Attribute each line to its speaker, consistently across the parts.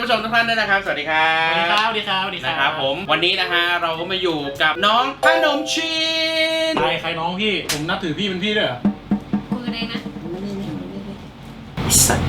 Speaker 1: ผู้ชมทุกท่านด้วยนะครับสวัสดีครับ
Speaker 2: สวัสดีครับสวัสดีครับสวัสดี
Speaker 1: นะครับผมวันนี้นะฮะเราก็มาอยู่กับน้องขนมชีน
Speaker 2: ใครน้องพี่ผมนับถือพี่เป็นพี่ด้วยเหรอ
Speaker 3: คุยกันเองนะ
Speaker 1: สัตว์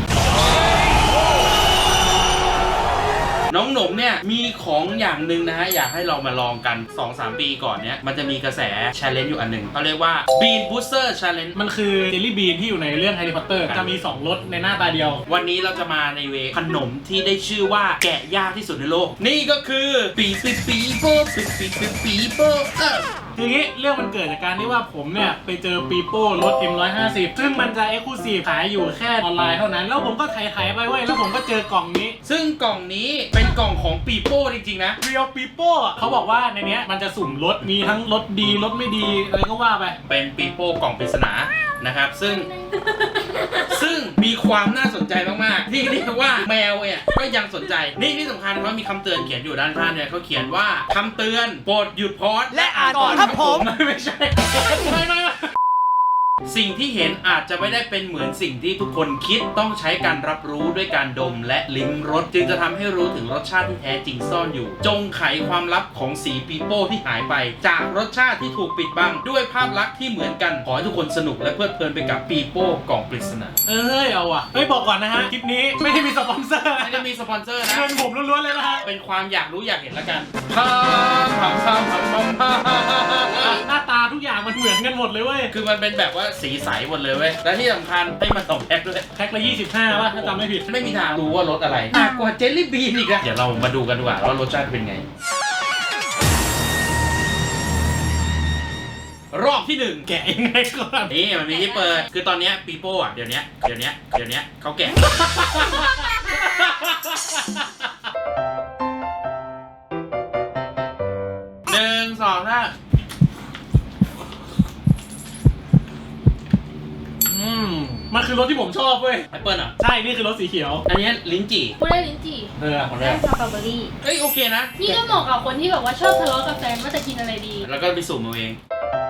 Speaker 1: น้องหนมเนี่ยมีของอย่างหนึ่งนะฮะอยากให้เรามาลองกัน 2-3 ปีก่อนเนี้ยมันจะมีกระแส challenge อยู่อันหนึ่งเขาเรียกว่า Bean Booster Challenge
Speaker 2: มันคือเจลลี่บีนที่อยู่ในเรื่อง Harry Potter จะมี2รสในหน้าตาเดียว
Speaker 1: วันนี้เราจะมาในเวขนมที่ได้ชื่อว่าแกะยากที่สุดในโลกนี่ก็คือปีโป้ปีโป้
Speaker 2: ทีนี้เรื่องมันเกิดจากการที่ว่าผมเนี่ยไปเจอปีโป้รถ M150 ซึ่งมันจะ Exclusive ขายอยู่แค่ออนไลน์เท่านั้นแล้วผมก็ไถไปเว้ยแล้วผมก็เจอกล่องนี้
Speaker 1: ซึ่งกล่องนี้เป็นกล่องของปีโป้จริงๆนะ
Speaker 2: เรียวปีโป้เขาบอกว่าในเนี้ยมันจะสุ่มรถมีทั้งรถดีรถไม่ดีอะไรก็ว่าไป
Speaker 1: เป็นปีโป้กล่องปริศนานะครับซึ่งมีความน่าสนใจมากๆที่เรียกว่าแมวเนี่ยก็ยังสนใจนี่ที่สำคัญว่ามีคำเตือนเขียนอยู่ด้านข้างเนี่ยเขาเขียนว่าคำเตือนโปรดหยุดพอด
Speaker 2: และอ่านก่อนครับผม
Speaker 1: ไม่ใช่ไม่สิ่งที่เห็นอาจจะไม่ได้เป็นเหมือนสิ่งที่ทุกคนคิดต้องใช้การรับรู้ด้วยการดมและลิ้มรสจึงจะทำให้รู้ถึงรสชาติที่แท้จริงซ่อนอยู่จงไขความลับของสีปีโป้ที่หายไปจากรสชาติที่ถูกปิดบังด้วยภาพลักษณ์ที่เหมือนกันขอให้ทุกคนสนุกและเพลิดเพลินไปกับปีโป้กล่องปริศนา
Speaker 2: เอาว่ะบอกก่อนนะฮะคลิปนี้ไม่ได้มีสปอนเซอร์
Speaker 1: ไม่ได้มีสปอนเซอร์นะ
Speaker 2: เงินผมล้วนๆเลยนะฮะ
Speaker 1: เป็นความอยากรู้อยากเห็นละกัน
Speaker 2: หน้าตาทุกอย่างมันเหมือนกันหมดเลยเว้ย
Speaker 1: คือมันเป็นแบบว่าสีใสหมดเลยเว้ยและที่สำคัญให้มา2 แพ็คด้วย
Speaker 2: แพ็คละ25ป่ะถ้าจำไม่ผิด
Speaker 1: ไม่มีทางรู้ว่ารสอะไรหนักกว่าเจลลี่บีนอีกอะเดี๋ยวเรามาดูกันดีกว่าว่ารสชาติเป็นไงรอบที่1
Speaker 2: แกะยังไงก่อน
Speaker 1: นี่มันมีที่เปิดคือตอนนี้ปีโป้อะเดี๋ยวนี้เขาแกะ1 2 3
Speaker 2: มันคือรถที่ผมชอบเว้ย
Speaker 1: แอปเปิลอ่ะ
Speaker 2: ใช่นี่คือรถสีเขียว
Speaker 1: อันนี้ลิ้นจี่
Speaker 3: ไม่ได้ลิ้นจี่
Speaker 1: ของ
Speaker 3: ได้สตรอเบอรี่
Speaker 1: โอเคนะ
Speaker 3: นี่ก็เหมาะกับคนที่แบบว่าชอบทะเลาะกับแฟนว่าจะกินอะไรดี
Speaker 1: แล้วก็ไปสุ่มเอาเอง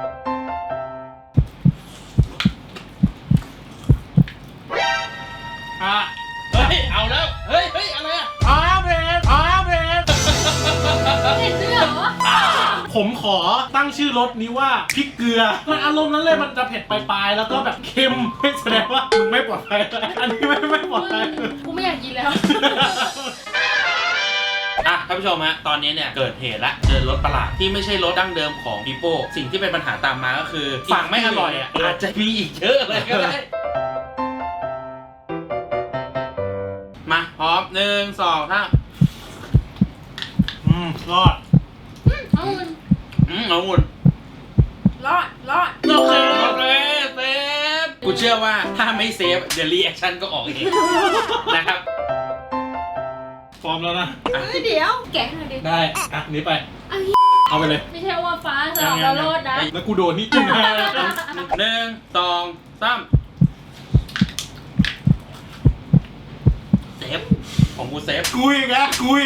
Speaker 1: เฮ้ยเอาแล้วเฮ้ยอะไรอ่ะ
Speaker 2: เพล
Speaker 3: เห็นด้วยเหรอ
Speaker 2: ผมขอตั้งชื่อรสนี้ว่าพริกเกลือมันอารมณ์นั้นเลยมันจะเผ็ดปลายๆแล้วก็แบบเค็มแสดงว่ามึงไม่ปลอดภัยอันนี้ไม่ปลอดภัย
Speaker 3: กูไม่อยากกินแล้ว
Speaker 1: ท่านผู้ชมฮะตอนนี้เนี่ยเกิดเหตุละเจอรถประหลาดที่ไม่ใช่รถดั้งเดิมของปีโป้สิ่งที่เป็นปัญหาตามมาก็คือฝั่งไม่อร่อยอ่ะอาจจะมีอีกเยอะเลยก็ได้มาพร้อม1 2 3
Speaker 2: รอด
Speaker 3: เอาเงินรอด
Speaker 1: โอเคเซฟกูเชื่อว่าถ้าไม่เซฟเดี๋ยวรีแอคชั่นก็ออกเองนะครับ
Speaker 2: พร้อมแล้วนะ
Speaker 3: เดี๋ยวแกะหน่อยดิ
Speaker 2: ได้นี้ไปเอาไปเลย
Speaker 3: ไม่ใช่ว่าฟ้าจะเอาเราโลดนะ
Speaker 2: แล้วกูโดนนี่จิ้มให้
Speaker 1: 1 2 3เซฟของกูเซฟ
Speaker 2: กูอีกแล้ว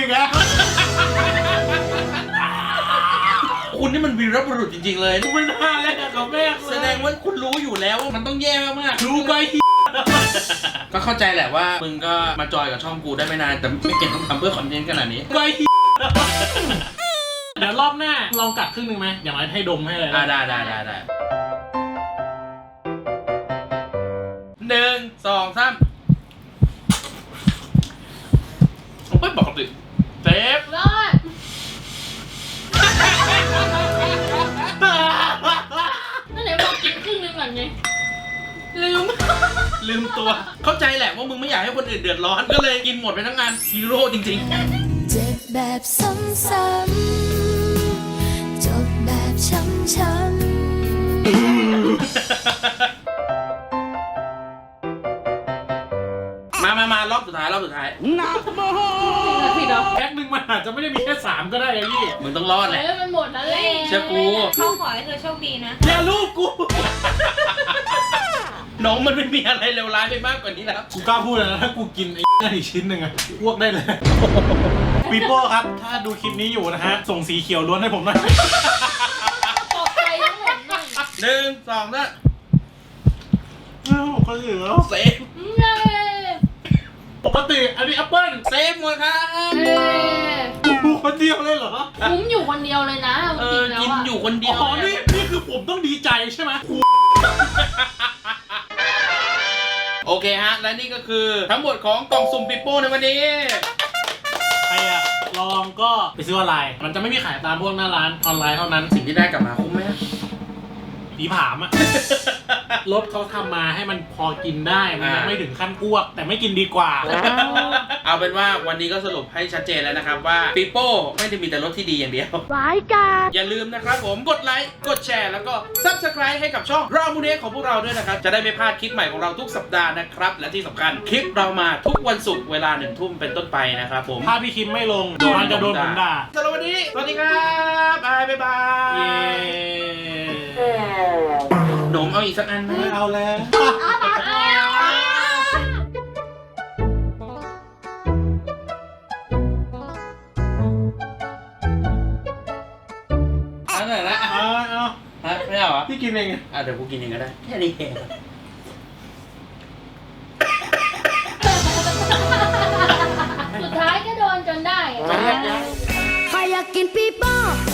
Speaker 1: คุณนี่มันวีรบุรุษจริงๆเลย
Speaker 2: กูไม่น่าเล่นกับแม่
Speaker 1: แสดงว่าคุณรู้อยู่แล้วว่ามันต้องแย่มาก
Speaker 2: รู้ไป
Speaker 1: ก็เข้าใจแหละว่ามึงก็มาจอยกับช่องกูได้ไม่นานแต่ไม่เก่งต้องทำเพื่อคอนเทนต์ขนาดนี้
Speaker 2: ไปเดี๋ยวรอบหน้าลองกัดครึ่งนึงไหมอย่างไรให้ดมให้เลย
Speaker 1: ได้1 2 3ไม่ปกติเซฟ
Speaker 3: รอดนั่นไหนบอกกินครึ่งนึงก่อนไง
Speaker 1: ลืมตัวเข้าใจแหละว่ามึงไม่อยากให้คนอื่นเดือดร้อนก็เลยกินหมดไปทั้งงานฮีโร่จริงๆ
Speaker 4: เจ็บแบบซ้ำๆจบแบบช้ำ
Speaker 1: มารอบสุดท้าย
Speaker 2: นักโมแพ็คหนึ่งมันอาจจะไม่ได้มีแค่3ก็ได้ไอ้พี่
Speaker 1: มึงต้องรอดแหละ
Speaker 3: มันหมดแล้วเลย
Speaker 1: เชื่อกู
Speaker 3: เขาขอให้เธอโชคดีนะ
Speaker 2: อย่าลูกกู
Speaker 1: น้องมันไม่มีอะไรเลวร้ายไปมากกว่านี้แล้ว
Speaker 2: กูกล้าพูดนะถ้ากูกินไอ้นั่นอีกชิ้นหนึ่งอะอ้วกได้เลยปีโป้ครับถ้าดูคลิปนี้อยู่นะฮะส่งสีเขียวล้วนให้ผมหน่อย
Speaker 3: ปลอบใจทั้งหมดหน่อย
Speaker 1: 1 2 3
Speaker 2: ก็เหลือ
Speaker 1: เซฟ
Speaker 2: ปกติอันนี้แอปเปิ้ล
Speaker 1: เซฟหมดครับ
Speaker 2: เดียวเลยเหรอ
Speaker 3: คุ้มอยู่คนเดียวเลยนะเอาจริงแล้ว
Speaker 1: กิน
Speaker 3: อะ
Speaker 1: อยู่คนเดียว
Speaker 2: อ๋อนี่คือผมต้องดีใจใช่ไหม
Speaker 1: โอเคฮะ และนี่ก็คือทั้งหมดของกล่องสุ่มปิโป้ในวันนี้
Speaker 2: ใครอะลองก็ไปซื้อออนไลน์มันจะไม่มีขายตามพวกหน้าร้านออนไลน์เท่านั้น
Speaker 1: สิ่งที่ได้กลับมาคุ้มไหม
Speaker 2: ผีผามอะ รสเขาทำมาให้มันพอกินได้ มันยังไม่ถึงขั้นอ้วก แต่ไม่กินดีกว่า
Speaker 1: เอาเป็นว่าวันนี้ก็สรุปให้ชัดเจนแล้วนะครับว่าปิโป้ไม่ได้มีแต่รสที่ดีอย่างเดียว
Speaker 3: ร้ายกาจ
Speaker 1: อย่าลืมนะครับผมกดไลค์กดแชร์แล้วก็ Subscribe ให้กับช่องรามูเนของพวกเราด้วยนะครับ จะได้ไม่พลาดคลิปใหม่ของเราทุกสัปดาห์นะครับ และที่สำคัญคลิปเรามาทุกวันศุกร์เวลา1 ทุ่มเป็นต้นไปนะครับผม
Speaker 2: ถ้าพี่คิมไม่ลงมันจะโดนผมด่า
Speaker 1: สำหรับวันนี้สวัสดีครับบายบายบาย
Speaker 2: เย้
Speaker 1: หนมเอาอีกสักอันไหม
Speaker 2: ไม่เอาแล้ว
Speaker 1: อันไหนละ
Speaker 2: เอา
Speaker 1: ฮะไม่เอาเหรอ
Speaker 2: พี่กินเอง
Speaker 1: เดี๋ยวกูกินเองก็ได้แค่นี้เอง
Speaker 3: สุดท้ายก็โดนจนได้อะ
Speaker 1: จะเรียกยัง
Speaker 4: ใครอยากกินปีโป้